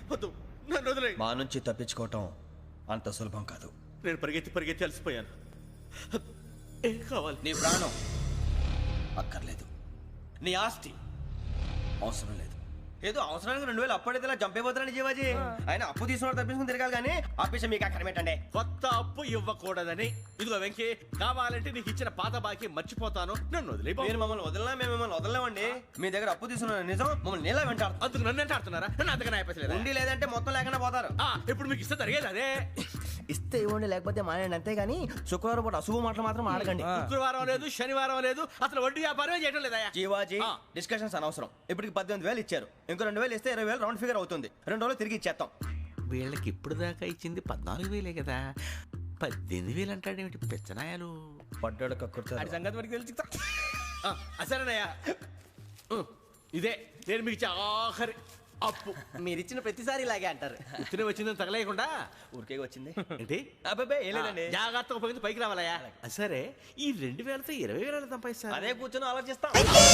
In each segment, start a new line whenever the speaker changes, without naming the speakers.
వద్దు, నన్ను వదిలే.
మా నుంచి తప్పించుకోవటం అంత సులభం కాదు.
నేను పరిగెత్తి అలసిపోయాను. ఏం కావాలి?
నీ ప్రాణం అక్కర్లేదు, నీ ఆస్తి అవసరం లేదు. ఏదో అవసరానికి 2000 అప్పటిలా చంపేపోతున్నాడు జీవాజీ. ఆయన అప్పు తీసుకున్నాడు తప్పించుకుని తిరగాలి కానీ ఆపేసి మీకు అక్కడ పెట్టండి.
కొత్త అప్పు ఇవ్వకూడదని. ఇదిగో వెంకీ, కావాలంటే నీకు ఇచ్చిన పాత బాకీ మర్చిపోతాను, నన్ను వదిలే.
మీరు మమ్మల్ని వదలనా? మేము మిమ్మల్ని వదలలేమండి. మీ దగ్గర అప్పు తీసుకున్న నిజం మమ్మల్ని నీలా వెంటాడు.
అందుకు నన్ను ఎంత ఆడుతున్నారా? నన్ను అంతగా అయిపోలేదు.
ఉండి లేదంటే మొత్తం లేకుండా పోతారు.
ఇప్పుడు మీకు ఇస్తే జరిగేది అదే.
ఇస్తే ఇవ్వండి, లేకపోతే మానేయండి, అంతేగాని శుక్రవారం పూట అశుభ మాటలు మాత్రం ఆడకండి.
శుక్రవారం లేదు, శనివారం లేదు, అసలు వడ్డీ వ్యాపారమే చేయడం లేదా?
జీవాజీ, డిస్కషన్స్ అనవసరం. ఇప్పటికి 18,000 ఇచ్చారు, ఇంకో 2,000 ఇస్తే 20,000 రౌండ్ ఫిగర్ అవుతుంది. 2 రోజులు తిరిగి ఇచ్చేస్తాం.
వీళ్ళకి ఇప్పుడు దాకా ఇచ్చింది 14,000 కదా, 18,000 అంటాడేమిటి పెచ్చనాయాలు?
పడ్డాడు కక్కుర్తాడు.
సంగతి వరకు తెలిసి అసలేనయ్యా, ఇదే నేను మీకు ఇచ్చే ఆఖరి అప్పు.
మీరు ఇచ్చిన ప్రతిసారి ఇలాగే అంటారు.
ఇతనే వచ్చిందని తగలేయకుండా
ఊరికే వచ్చింది
ఏంటి?
అబ్బాయి ఏం లేదండి.
జాగ్రత్తగా ఉపయోగించి పైకి రావాలయ్యా. సరే, ఈ 2,000తో 20,000 సంపాదిస్తారు.
అదే కూర్చొని ఆలోచిస్తాం.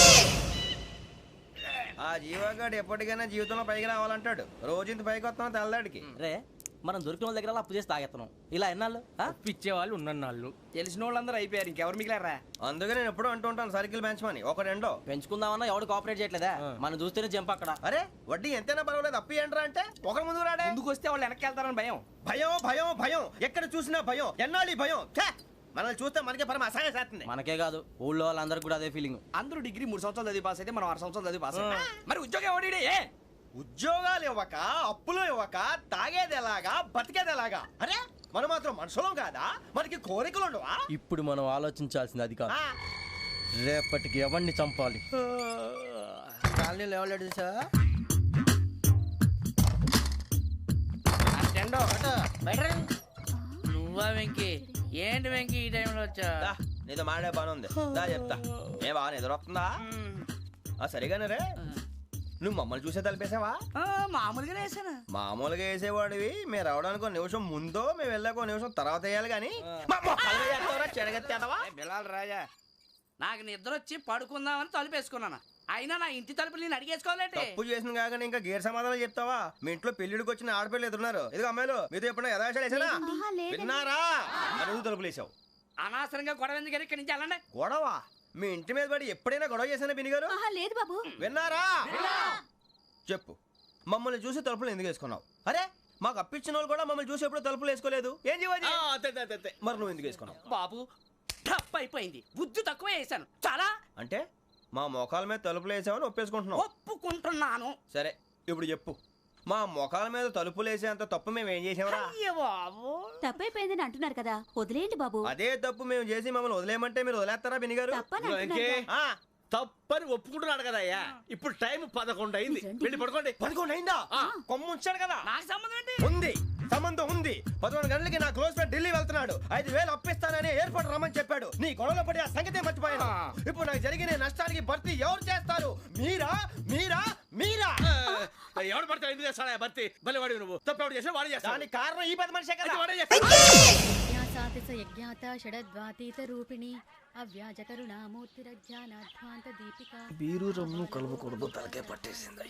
ఆ జీవగాడు ఎప్పటికైనా జీవితంలో పైకి రావాలంటాడు. రోజు ఇంత పైకి వస్తాం తెల్లడికి.
రే, మనం దొరికిన వాళ్ళ దగ్గర అప్పు చేసి తాగెత్తనం. ఇలా ఎన్నాళ్ళు
పిచ్చే వాళ్ళు ఉన్నన్నాళ్ళు తెలిసిన వాళ్ళందరూ అయిపోయారు, ఇంకెవరు మిగిలారా?
అందుకే నేను ఎప్పుడూ అంటూ ఉంటాను, సర్కిల్ బెంచ్ మని ఒక రెండో
పెంచుకుందామన్నా ఎవడు కోఆపరేట్ చేయట్లేదా? మనం చూస్తేనే జంప్ అక్కడ.
అరే వడ్డీ ఎంతైనా పర్వాలేదు, అప్పు ఏంట్రా అంటే ఒకరి ముందు రాడే.
ముందుకు వస్తే వాళ్ళు వెనక్కి వెళ్తారని భయం.
భయం భయం భయం, ఎక్కడ చూసినా భయం. ఎన్నాళ్ళు భయం? మనల్ని చూస్తే మనకే పరమ అసహాయం చేస్తుంది.
మనకే కాదు, ఊళ్ళో వాళ్ళందరికీ కూడా అదే ఫీలింగ్.
అందరూ డిగ్రీ 3 సంవత్సరాలు చదివి పాస్ అయితే మనం 6 సంవత్సరాలు చదివి పాస్ అయ్యాం. మరి ఉద్యోగం ఎవడి?
ఉద్యోగాలు ఇవ్వక, అప్పులు ఇవ్వక, తాగేది ఎలాగా, బతికేది ఎలాగా? అరే మనం మాత్రం మనుషులం కాదా? మనకి కోరికలు ఉండవా?
ఇప్పుడు మనం ఆలోచించాల్సింది అది కాదు, రేపటికి ఎవరిని చంపాలి. కాలనీలో ఎవరు సార్?
నువ్వా వెంకీ? ఏంటి వెంకీ ఈ టైంలో వచ్చా?
నీతో మాడే పని ఉంది, దా చెప్తా. ఏ బాగా నిద్రొస్తుందా? సరిగానే రే, నువ్వు మమ్మల్ని చూసే తలిపేసావా?
మామూలుగానే వేసాను.
మామూలుగా వేసేవాడివి. మేము రావడానికి 1 నిమిషం ముందో, మేము వెళ్ళాక 1 నిమిషం తర్వాత వేయాలి కానీ
బిలాల్ రాజా,
నాకు నిద్ర వచ్చి పడుకుందామని తలుపేసుకున్నాను. అయినా నా ఇంటి తలుపులు నేను అడిగేసుకోవాలంటే
తప్పు చేసిన కాక ఇంకా గేర్ సమాధానం చెప్తావా? మీ ఇంట్లో పెళ్లిడికి వచ్చిన ఆడపిల్లలు ఎదురున్నారు. ఇదిగో అమ్మాయిలు, మీతో ఎప్పుడైనా యథాశాలు వేసానా? విన్నారా? అడుగు తలుపులు వేసావు.
అనవసరంగా గొడవ ఎందుకు? ఇక్కడి నుంచి వెళ్ళండి.
గొడవ? మీ ఇంటి మీద పడి ఎప్పుడైనా గొడవ చేశానా బిని గారు?
లేదు బాబు.
విన్నారా? చెప్పు, మమ్మల్ని చూసి తలుపులు ఎందుకు వేసుకున్నావు? అరే మాకు అప్పించిన వాళ్ళు కూడా మమ్మల్ని చూసి ఎప్పుడు తలుపులు వేసుకోలేదు. ఏం చేయాలి? మరి నువ్వు ఎందుకు వేసుకున్నావు?
బాబు టప్ అయిపోయింది, బుద్ధి తక్కువ వేసాను చాలా.
అంటే మా మోకాల మీద తలుపులు వేసామని ఒప్పేసుకుంటున్నావు?
ఒప్పుకుంటున్నాను.
సరే ఇప్పుడు చెప్పు, మా మొఖాల మీద తలుపులు వేసేంత తప్పు మేము ఏం చేసామరా?
తప్పైపోయిందని అంటున్నారు కదా, వదిలేయండి బాబు.
అదే తప్పు మేము చేసి మమ్మల్ని వదిలేయమంటే మీరు వదిలేస్తారా బిని గారు?
తప్పని ఒప్పుకుంటున్నాడు కదా అయ్యా. ఇప్పుడు టైం 11 అయింది, వెళ్ళి పడుకోండి.
11 అయిందా? కొమ్ము ఉంచాడు కదా.
నాకు సంబంధం ఏంటి?
ఉంది, సంబంధం ఉంది. 11 గంటలకి నా క్లోజ్ ఫ్రెండ్ ఢిల్లీ వెళ్తున్నాడు. 5,000 అప్పిస్తానని ఎయిర్పోర్ట్ రమ్మని చెప్పాడు. నీ గొడవలో పడి ఆ సంగతే మర్చిపోయాను. ఇప్పుడు నాకు జరిగిన నష్టానికి భర్తీ ఎవరు చేస్తారు? మీరా మీరా మీరా?
ఎవడు పడితే ఎందుకు చేస్తాడా భర్తీ? భలే వాడి నువ్వు. తప్పు చేసా వాడు చేస్తా.
దానికి కారణం ఈ 10 మనిషే కదా.
బీరు రమ్ము కలుపుకూడదు, తలకే పట్టేసింది.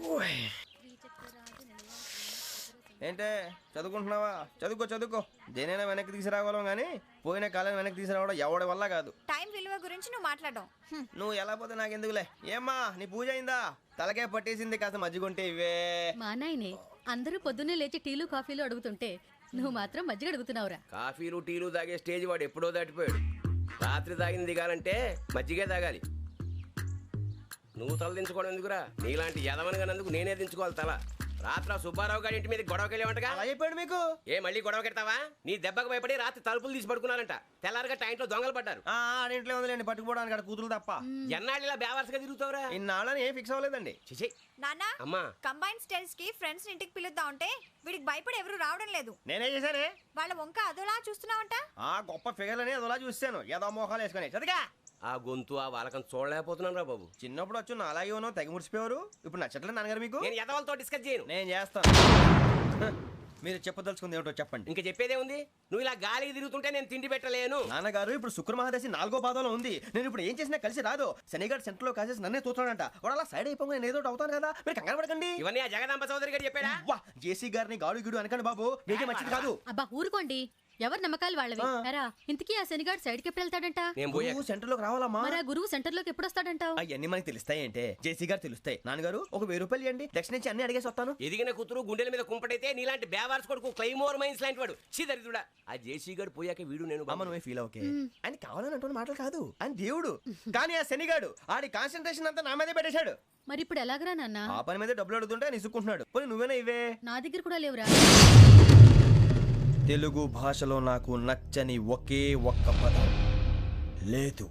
ఏంటే చదువుకుంటున్నావా? చదువుకో. దేనైనా వెనక్కి తీసుకురావాలం కానీ పోయిన కాలం వెనక్కి తీసుకురావడం ఎవడి వల్ల కాదు.
టైం విలువ గురించి నువ్వు మాట్లాడడం.
నువ్వు ఎలా పోతే నాకు ఎందుకులే. ఏమ్మా నీ పూజ అయిందా? తలకే పట్టేసింది, కాస్త మజ్జిగుంటే ఇవే.
మా నాయనే అందరూ పొద్దున్నే లేచి టీలు కాఫీలు అడుగుతుంటే నువ్వు మాత్రం మజ్జిగ అడుగుతున్నావురా.
కాఫీలు టీలు తాగే స్టేజ్ వాడు ఎప్పుడో దాటిపోయాడు. రాత్రి తాగింది దిగాలంటే మజ్జిగే తాగాలి. నువ్వు తల దించుకోవడం ఎందుకురా? నీలాంటి యదవనగానందుకు నేనే దించుకోవాలి తల. రాత్రి సుబ్బారావు గారి ఇంటి మీద గొడవకి వెళ్ళేవంటగా.
అలా చెప్పాడు మీకు?
ఏ మళ్ళీ గొడవ కెడతావా? నీ దెబ్బకు భయపడి రాత్రి తలుపులు తీసి పడుకున్నారంట. తెల్లారగా టైంట్లో దొంగలు పడ్డారు.
ఆడింట్లో ఉందిలేండి, పట్టుకుపోవడానికి అక్కడ కూతురు తప్ప.
ఎన్నాళ్ళు ఇలా బేవర్స్గా తిరుగుతావురా?
ఇన్నాళ్ళని ఏం ఫిక్స్ అవ్వలేదండి.
చిచి
నాన్న,
అమ్మా,
కంబైన్ స్టైల్స్ కి ఫ్రెండ్స్ ఇంటికి పిలుద్దాం అంటే వీడికి భయపడి ఎవరు రావడం లేదు.
నేనే చేశానే.
వాళ్ళ వంక అదోలా చూస్తున్నావంట.
గొప్ప ఫిగర్ అని అదోలా చూస్తాను. ఏదో మోహాలు వేసుకొని చదిగా.
ఆ గొంతు ఆ వాలకం చూడలేకపోతున్నాను రా బాబు.
చిన్నప్పుడు వచ్చి నా అలాగే ఉన్నావు, తెగ ముడిచిపోయారు. ఇప్పుడు నచ్చట్లేదు నాన్నగారు మీకు?
నేను యదవలతో డిస్కస్ చేయను.
నేను చేస్తాను. మీరు చెప్పదలుచుకుంది ఏమిటో చెప్పండి.
ఇంకా చెప్పేదే ఉంది. నువ్వు ఇలా గాలికి తిరుగుతుంటే నేను తిండి పెట్టలేను.
నాన్నగారు ఇప్పుడు శుక్ర మహాదశి 4వ పాదంలో ఉంది. నేను ఇప్పుడు ఏం చేసినా కలిసి రాదు. శనిగారు సెంటర్ లో కాసేసి నన్నే చూస్తాడంట. వాడు అలా సైడ్ అయిపోయి నేను ఏదో ఒకటి అవుతాను కదా, మీరు కంగారు పడకండి.
ఇవన్నీ ఆ జగదాంబ చౌదరి గారు చెప్పాడా?
వా జేసీ గారిని గాడు గిడు అనకండి బాబు, మీకే మంచిది కాదు.
అబ్బా ఊరుకోండి, ఎవరి నమ్మకాలు వాళ్ళవి. ఎరా ఇంతకీ ఆ శనిగాడు సైడ్కి ఎప్పుడు వెళ్తాడంట?
నేను పోయా.
గురువు సెంటర్ లోకి రావాలమ్మా.
మరి ఆ గురువు సెంటర్ లోకి ఎప్పుడు వస్తాడంటావు?
అవన్నీ మనకి తెలుస్తాయి అంటే జేసీ గారు తెలుస్తాయి. నాన్నగారు ఒక 1000 రూపాయలు ఇవ్వండి, దక్షిణ నుంచి అన్ని అడిగేసి వస్తాను.
ఎదిగిన కూతురు గుండెల మీద కుంపటైతే నీలాంటి బేవార్స్ కొడుకు క్లైమోర్ మైన్స్ లాంటి వాడు చీదరిదుడా. ఆ జేసీ గారు పోయాక వీడు నేను
అమ్మ నువ్వే ఫీల్ ఓకే. ఆయన కావాలని అంటున్న మాటలు కాదు, ఆయన దేవుడు. కానీ ఆ శనిగాడు ఆడి కాన్సన్ట్రేషన్ అంతా నా మీదే పెట్టేశాడు.
మరి ఇప్పుడు ఎలాగరా నాన్న?
ఆ పని మీద డబ్బులు అడుగుతుంటే నిసుక్కుంటున్నాడు. పోనీ నువ్వేనా ఇవే?
నా దగ్గర కూడా లేవురా.
తెలుగు భాషలో నాకు నచ్చని ఒకే ఒక్క పదం లేదు.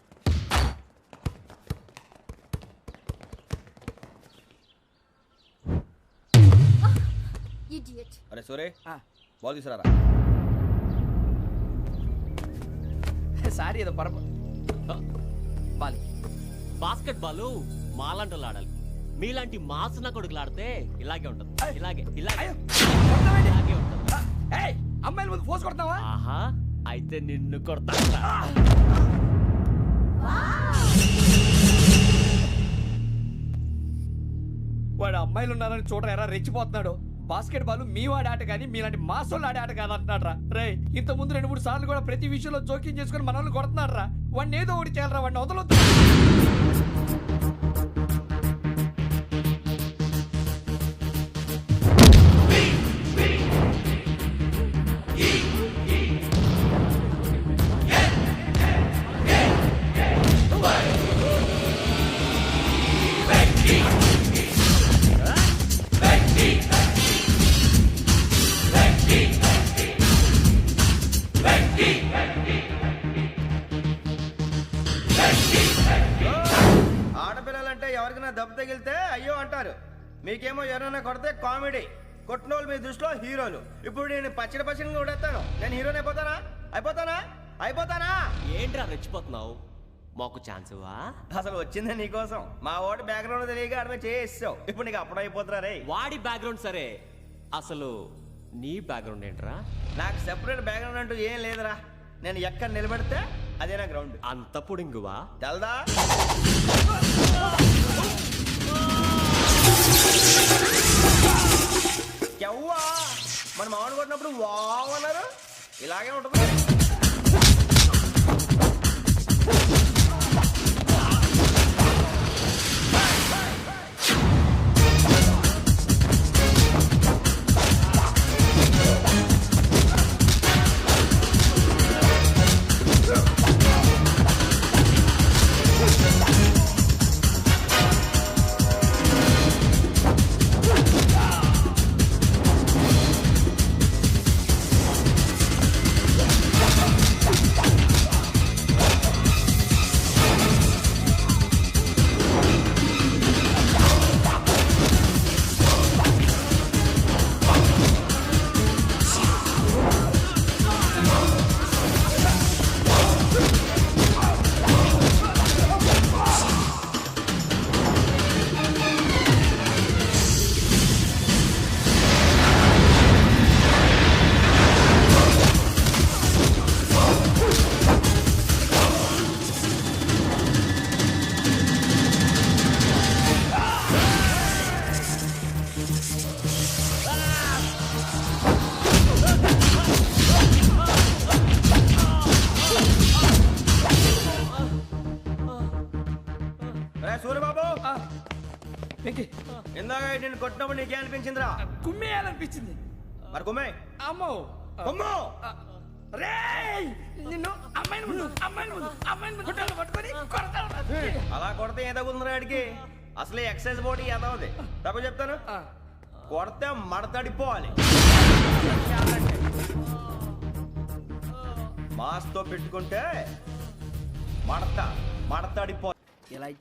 అరే సూరే బాల్ తీసుకురారా.
సారీ ఏదో బాలి
బాస్కెట్ బాల్ మాలాంటి ఆడాలి. మీలాంటి మాసన కొడుకులు ఆడితే ఇలాగే ఉంటది. ఇలాగే ఇలాగే ఇలాగే ఉంటది.
అమ్మాయిల ముందు ఫోర్స్ కొడతావా?
ఆహా, అయితే నిన్ను కొడతా.
వాడు అమ్మాయిలు ఉన్నారని చూడరా ఎరా రెచ్చిపోతున్నాడు. బాస్కెట్ బాల్ మీ వాడి ఆట కానీ మీలాంటి మాసోళ్ళు ఆడే ఆట కాదు అంటున్నాడు రా. రే ఇంత ముందు 2-3 సార్లు కూడా ప్రతి విషయంలో జోక్యం చేసుకుని మన వాళ్ళు కొడుతున్నాడు రా. వాడిని ఏదో ఒకటి చేయాలరా, వాడిని వదలొద్దు.
ఆడపిల్లలంటే ఎవరికైనా దెబ్బ తగిలితే అయ్యో అంటారు, మీకేమో ఎవరైనా కొడితే కామెడీ. కొట్టినోళ్ళు మీ దృష్టిలో హీరోలు. ఇప్పుడు నేను పచ్చడి కొడేస్తాను, నేను హీరోని అయిపోతానా?
ఏంట్రా రెచ్చిపోతున్నావు? మాకు ఛాన్స్ ఇవ్వా?
అసలు వచ్చిందే నీకోసం. మా వాడి బ్యాక్గ్రౌండ్ తెలియక ఆడమే చేసావు. ఇప్పుడు నీకు అప్పుడు అయిపోతున్నా రే.
వాడి బ్యాక్గ్రౌండ్ సరే, అసలు నీ బ్యాక్గ్రౌండ్ ఏంట్రా?
నాకు సెపరేట్ బ్యాక్గ్రౌండ్ అంటూ ఏం లేదురా. నేను ఎక్కడ నిలబడితే అదే నా గ్రౌండ్.
అంత పుడింగువా?
తెల్దా? ఎవ్వా మన మామిడి కొట్టినప్పుడు వావ్ అన్నారు, ఇలాగే ఉంటుంది. సూర్యబాబు ఇందాక నేను కొట్టినప్పుడు నీకే అనిపించిందిరా?
కుమ్మేయాలనిపించింది.
మరి కుమ్మే.
అమ్మో
కుమ్మో.
నిన్ను అమ్మాయిని పట్టుకొని కొడతాను.
అలా కొడితే ఏ తగ్గుతుందిరా ఆడికి? అసలు ఎక్సైజ్ బాడీ ఏదవుది తక్కువ చెప్తాను. కొడితే మడతడిపోవాలి. మాస్తో పెట్టుకుంటే మడతడిపో. ఇలా